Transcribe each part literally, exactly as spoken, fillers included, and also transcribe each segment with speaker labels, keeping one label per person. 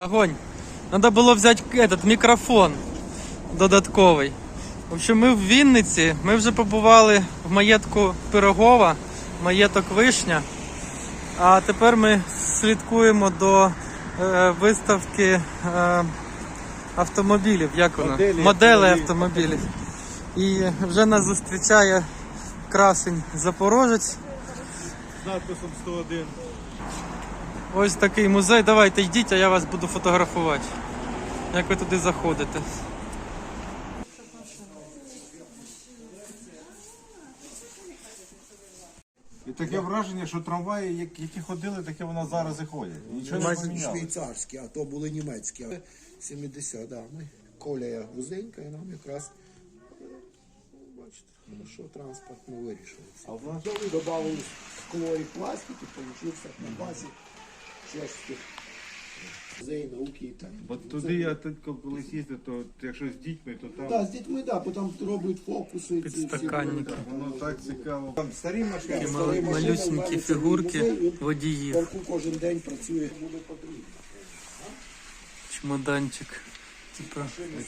Speaker 1: Огонь. Надо було взяти этот мікрофон додатковий. В общем, ми в Вінниці, ми вже побували в маєтку Пирогова, маєток Вишня. А тепер ми слідкуємо до е, виставки е, автомобілів, як воно?
Speaker 2: Моделі,
Speaker 1: Моделей
Speaker 2: автомобілів.
Speaker 1: автомобілів. І вже нас зустрічає красень Запорожець.
Speaker 2: З надписом сто один.
Speaker 1: Ось такий музей. Давайте йдіть, а я вас буду фотографувати. Як ви туди заходите.
Speaker 2: І таке враження, що трамваї, які ходили, таке вона зараз і ходять. Нічого не
Speaker 1: Майже
Speaker 2: поміняло.
Speaker 3: Швейцарські, а то були німецькі. сімдесят, да. Ми колія вузенька і нам якраз, бачите, хорошо транспорт ми вирішили.
Speaker 2: А в нас
Speaker 3: Добавили скло і пластик і получився на базі чешських музей науки і так.
Speaker 2: Бо туди я тут колись їздив, то якщо з дітьми, то там
Speaker 3: Так, з дітьми, да, бо там роблять фокуси. ці всі
Speaker 1: Підстаканники.
Speaker 2: воно так цікаво. Там старі машини.
Speaker 1: Такі мал- малюсенькі фігурки водіїв.
Speaker 3: Парку кожен день працює.
Speaker 1: Чемоданчик. Типа.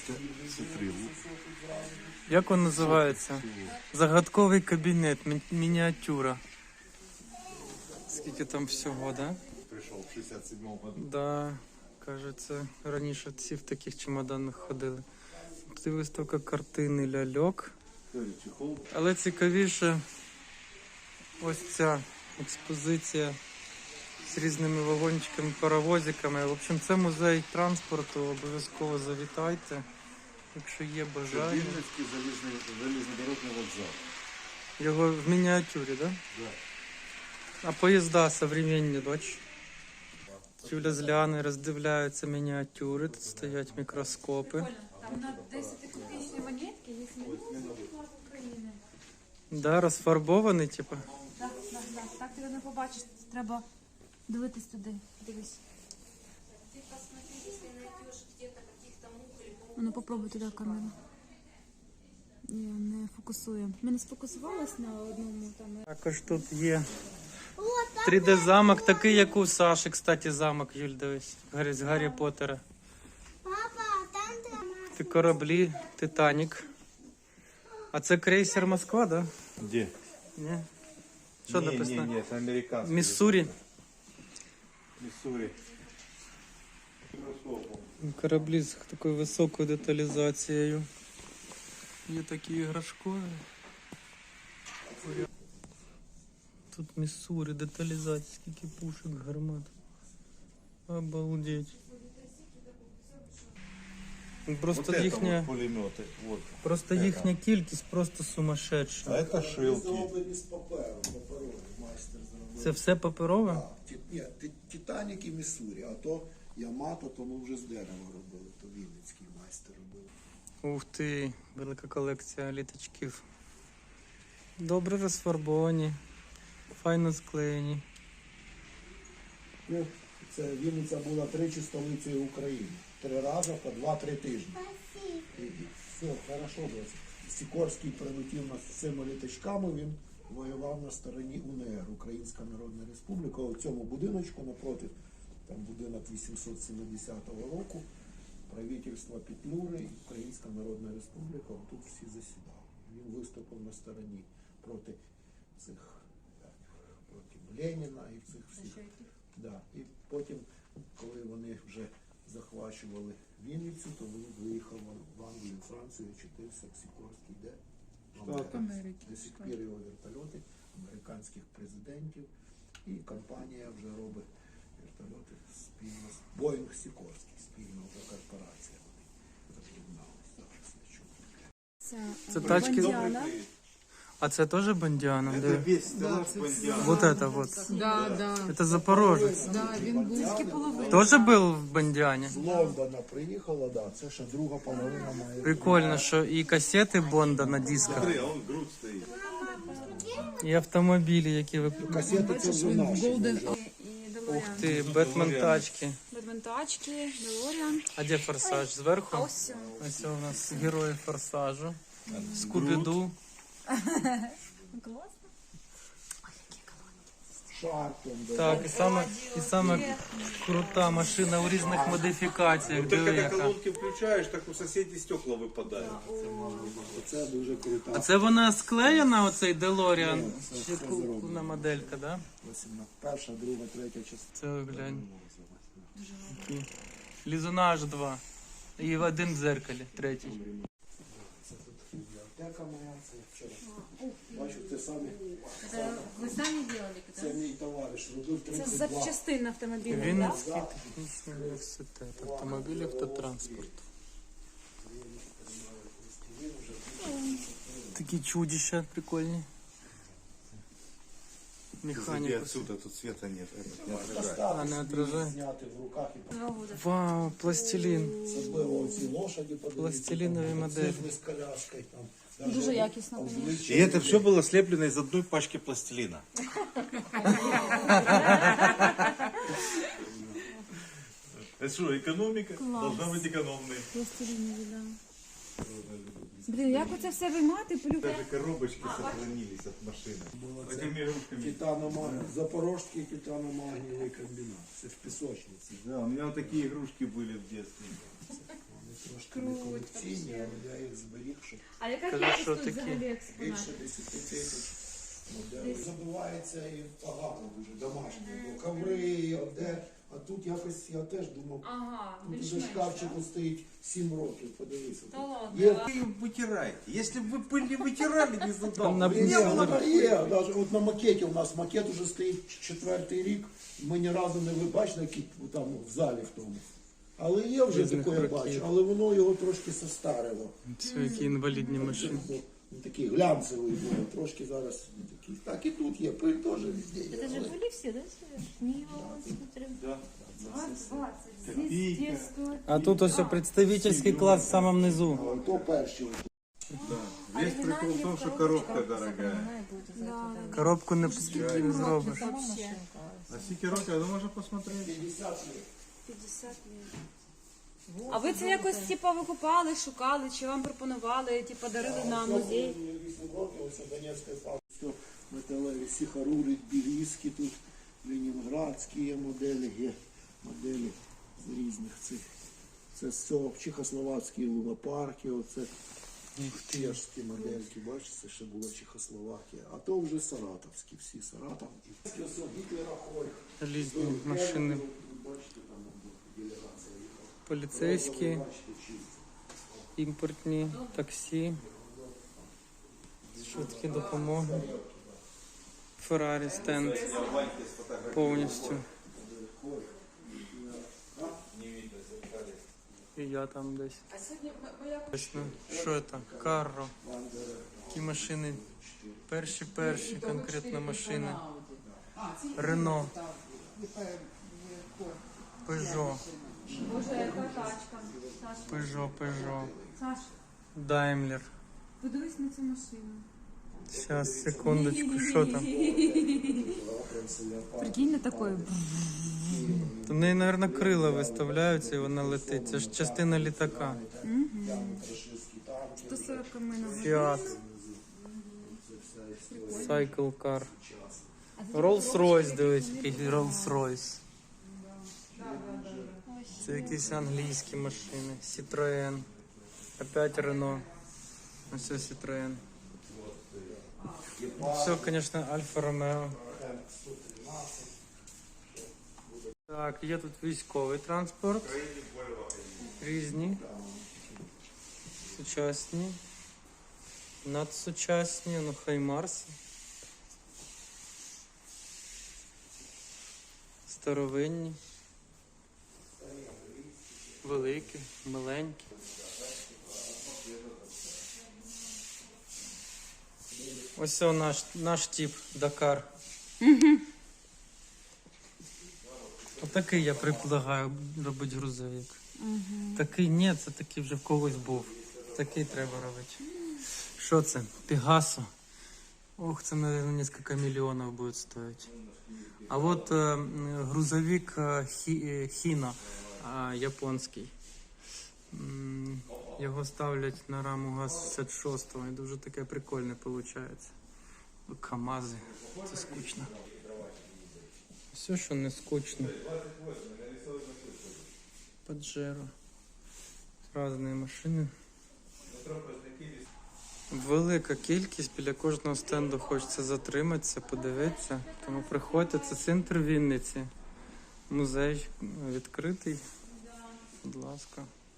Speaker 1: Як він називається? Загадковий кабінет, мі- мініатюра. Скільки там всього, да?
Speaker 2: Прийшов в шістдесят сьомому году.
Speaker 1: Да, кажеться, раніше всі в таких чемоданах ходили. Тут і виставка картини ляльок.
Speaker 2: Чехол.
Speaker 1: Але цікавіше ось ця експозиція з різними вагончиками, паровозиками. В общем, це музей транспорту, обов'язково завітайте, якщо є бажання.
Speaker 2: Вінницький залізний, залізнодорожний вокзал.
Speaker 1: Його в мініатюрі, так? Да?
Speaker 2: Да.
Speaker 1: А поїзда современні, бач. Юля з Ліани роздивляються мініатюри, тут стоять мікроскопи.
Speaker 4: Там на десятикопійчні монетки є минулого флаг України.
Speaker 1: Да, розфарбований, типу.
Speaker 4: Так, так, так. Так ти не побачиш, треба дивитись туди. Дивись. Ну, попробуй туди камеру. Ні, не фокусує. Ми не сфокусувалися на одному там.
Speaker 1: Також тут є три де замок, такий, як у Саші, кстати, замок, Юль, дивись, Гаррі- з Гаррі Поттера. Це кораблі, Титанік. А це крейсер Москва, да?
Speaker 2: Де?
Speaker 1: Ні? Що
Speaker 2: ні,
Speaker 1: написано?
Speaker 2: Ні, ні, це американський.
Speaker 1: Міссурі.
Speaker 2: Міссурі.
Speaker 1: Кораблі з такою високою деталізацією. Є такі іграшкові. Тут Міссурі, деталізація, скільки пушок, гармат. Обалдеть. Просто
Speaker 2: Вот это
Speaker 1: їхня,
Speaker 2: вот пулемети. Вот.
Speaker 1: просто їхня кількість просто сумасшедша.
Speaker 2: А це шилки.
Speaker 3: Зроблені з паперу, паперовий майстер зробив.
Speaker 1: Це все паперове?
Speaker 3: Так, ті- ні, Ті- Титанік і Міссурі, а то Ямато, то ми вже з дерева робили, то Вінницький майстер робив.
Speaker 1: Ух ти, велика колекція літачків. Добре розфарбовані, файно склеєні.
Speaker 3: Ну, це Вінниця була тричі столицею України. Три рази по два-три тижні. І, і все, хорошо було. Сікорський прилетів нас з цими літачками, він воював на стороні УНР, Українська Народна Республіка. У цьому будиночку напроти, там будинок вісімсот сімдесятого року, правительство Петлюри, Українська Народна Республіка, тут всі засідали. Він виступив на стороні проти цих, як, проти Леніна і цих всіх. Да. І потім, коли вони вже захвачували Вінницю, то він виїхав в Англію, Францію, вчитився в Сікорській, де? В Америці. До сих пір його вертольоти американських президентів. І компанія вже робить вертольоти спільно з Боїнг Сікорський, спільно вже корпорація. Вони об'єдналися зараз на чому.
Speaker 4: Це,
Speaker 1: Це тачки.
Speaker 4: Бондіана.
Speaker 1: А це теж Бондіана?
Speaker 2: Це
Speaker 1: Де?
Speaker 2: весь стелаж Бондіана.
Speaker 1: Вот это вот.
Speaker 5: Да, да,
Speaker 1: Это Запорожець.
Speaker 5: да, він був.
Speaker 1: Тоже був в Бондіані?
Speaker 3: З Лондона приїхала, да, це ще друга половина має.
Speaker 1: Прикольно, що і касети Бонда на дисках,
Speaker 2: Смотри, а он грудь стоїть.
Speaker 1: і автомобілі, які ви...
Speaker 3: Касети це вже наші.
Speaker 5: Голден.
Speaker 4: І
Speaker 1: Ух
Speaker 4: Делоріан.
Speaker 1: ти, Бетмен тачки.
Speaker 4: Бадментачки, Делоріан.
Speaker 1: А де Форсаж?
Speaker 4: А
Speaker 1: Зверху?
Speaker 4: ось він.
Speaker 1: Ось у нас герої Форсажу. Скубіду.
Speaker 4: Класно.
Speaker 3: шарпом. да.
Speaker 1: Так, і саме, і саме крута машина у різних модифікаціях.
Speaker 2: Вот ты
Speaker 1: Диви,
Speaker 2: когда
Speaker 1: яка.
Speaker 2: колонки включаешь, так у соседей стекла выпадают.
Speaker 3: Це дуже крута.
Speaker 1: А це вона склеєна, оцей Делоріан?
Speaker 3: Ні, це-
Speaker 1: Чи
Speaker 3: це
Speaker 1: купна
Speaker 3: зроблено.
Speaker 1: моделька, да?
Speaker 3: вісімнадцята. Перша, друга, третя частина.
Speaker 1: Це глянь. Такий. Лізунаж два. І в один в дзеркалі, третій.
Speaker 3: Це тут бібліотека моя, це вчора. Бачу, це самі.
Speaker 4: Це ви самі робили?
Speaker 3: Це мій товариш, робив
Speaker 4: Це
Speaker 3: тридцять
Speaker 4: з
Speaker 3: два.
Speaker 4: запчастин автомобіля, так?
Speaker 1: Вінницький технічний університет автомобілів та транспорту. Такі чудища прикольні. Механіка.
Speaker 2: отсюда, тут света нет. Этот не
Speaker 1: А, не отражає.
Speaker 3: Зняти в руках і
Speaker 4: Два года.
Speaker 1: Вау, пластилін.
Speaker 3: особливо оці лошаді подивіться.
Speaker 1: Пластилінові
Speaker 3: там,
Speaker 1: моделі.
Speaker 3: цифри з коляскою там. Даже
Speaker 4: Дуже якісно,
Speaker 3: там
Speaker 4: конечно.
Speaker 3: обличчя.
Speaker 2: И это все было слеплено из одной пачки пластилина. Это что, экономика? Должна быть экономной.
Speaker 4: Пластилінові, да. Блін, як оце все виймати, полюбляти?
Speaker 2: Даже коробочки сохранились от машины. Этими игрушками.
Speaker 3: Титаномагній, Запорожський титаномагнієвий комбінат. Це в пісочниці.
Speaker 2: Да, у меня вот такие игрушки были в детстве.
Speaker 3: Вони трошки не колекційні, але я їх зберіг, щоб
Speaker 4: А яка
Speaker 1: Кажи,
Speaker 4: кількість
Speaker 1: що
Speaker 4: тут
Speaker 1: таке?
Speaker 4: взагалі експонатів?
Speaker 3: більше десяти тисяч моделей. Забувається і багато дуже домашнього. Бо коври, оде. А тут якось я теж думав,
Speaker 4: Ага,
Speaker 3: тут уже
Speaker 4: більш-менш,
Speaker 3: шкафчику стоїть сім років, подивися.
Speaker 4: Та ладно.
Speaker 3: Є
Speaker 2: Вы ее вытираете. Если бы вы пыль не вытирали, не задал.
Speaker 1: На-
Speaker 2: бы.
Speaker 3: Ні,
Speaker 1: Ні,
Speaker 3: вона є. Навіть от на макеті у нас макет уже стоїть четвертий рік. Ми ні разу не ви бачили, який там в залі в тому. Але є вже
Speaker 1: Різних
Speaker 3: таке, я
Speaker 1: років.
Speaker 3: бачу, але воно його трошки состарило.
Speaker 1: Це які інвалідні машини.
Speaker 3: Він такий глянцевий був, трошки зараз не такий. Так і тут є, пиль теж везде є.
Speaker 4: Это же
Speaker 3: але-
Speaker 4: были все, да, Сереж? Нива, смотрим.
Speaker 2: Да.
Speaker 4: двадцать. Здесь детскую.
Speaker 1: А тут ось представительський клас в самому низу.
Speaker 3: Але то перші.
Speaker 2: Весь прикол в том, что коробка дорогая.
Speaker 1: Коробку не, не зробиш.
Speaker 4: Вообще.
Speaker 2: А сикерока, ну можно посмотреть.
Speaker 3: п'ятдесят літ.
Speaker 4: п'ятдесят лет. А ви це якось типу викупали, шукали, чи вам пропонували, типу дарили на музей?
Speaker 3: вісім років, ось Донецької фабрики. Все металеві, сіхарури, білізки тут, ленінградські є моделі, є моделі з різних цих. Це з цього чехословацькі лунопарки, оце чешські модельки, бачите, ще була Чехословакія. А то вже саратовські, всі Саратов. Ось Гітлера Хойх.
Speaker 1: Різні машини.
Speaker 3: Бачите, там делегація їхала.
Speaker 1: Поліцейські,
Speaker 3: Бачите, чисто.
Speaker 1: імпортні, таксі, швидкі допомоги. Феррарі стенд повністю. І я там десь. Точно. Що це? Карро. Які машини? Перші перші конкретно машини. Рено. Пежо.
Speaker 4: Боже, яка тачка. Саш,
Speaker 1: Пежо, Пежо.
Speaker 4: Саш,
Speaker 1: Даймлер.
Speaker 4: подивись на цю машину.
Speaker 1: Зараз, секундочку, що там?
Speaker 4: Прикинь на такої.
Speaker 1: То в неї, мабуть, крила виставляються і вона летить. Це ж частина літака.
Speaker 4: сто сорок км.
Speaker 1: Фіат. Cycle Car. Rolls-Royce, дивись, який Rolls-Royce. Це якісь англійські машини. Citroën. Опять Renault. Ось це Citroën. Все, звісно, Альфа Ромео. Так, є тут військовий транспорт. Різні. Сучасні. Надсучасні, ну хай Марс. Старовинні. Великі, маленькі. Ось це наш, наш тип Дакар. Отакий я предлагаю робити грузовик. Такий ні, це такий вже в когось був. Такий треба робити. Що це? Пегасо. Ох, це, мабуть, кілька мільйонів буде стоїти. А от е, грузовик е, хі, е, Хіно, е, японський. М, Його ставлять на раму ГАЗ-шістдесят шість і дуже таке прикольне виходить. КамАЗи. Це скучно. Все, що не скучно. Паджеро. Різні машини. Велика кількість, біля кожного стенду хочеться затриматися, подивитися. Тому приходьте, це центр Вінниці. Музей відкритий. Будь ласка.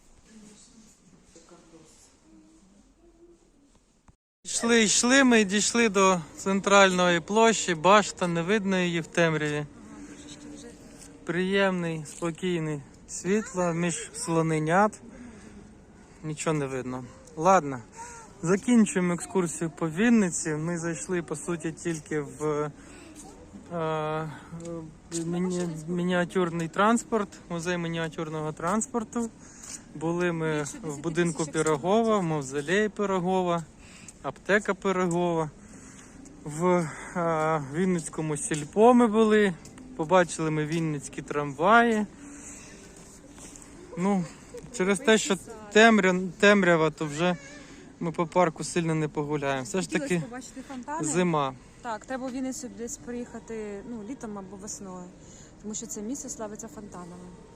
Speaker 1: Йшли, йшли, ми і дійшли до центральної площі, башта, не видно її в темряві. Приємний, спокійний світло між слоненят. Нічого не видно. Ладно, закінчуємо екскурсію по Вінниці. Ми зайшли, по суті, тільки в е, міні, мініатюрний транспорт, музей мініатюрного транспорту. Були ми в будинку Пирогова, в мавзолеї Пирогова, аптека Пирогова. В е, Вінницькому сільпо ми були, побачили ми вінницькі трамваї. Ну, через те, що темря, темрява, то вже ми по парку сильно не погуляємо. Все ж таки
Speaker 4: побачити фонтани.
Speaker 1: зима.
Speaker 4: Так, треба в Вінницю десь приїхати ну, літом або весною, тому що це місце славиться фонтанами.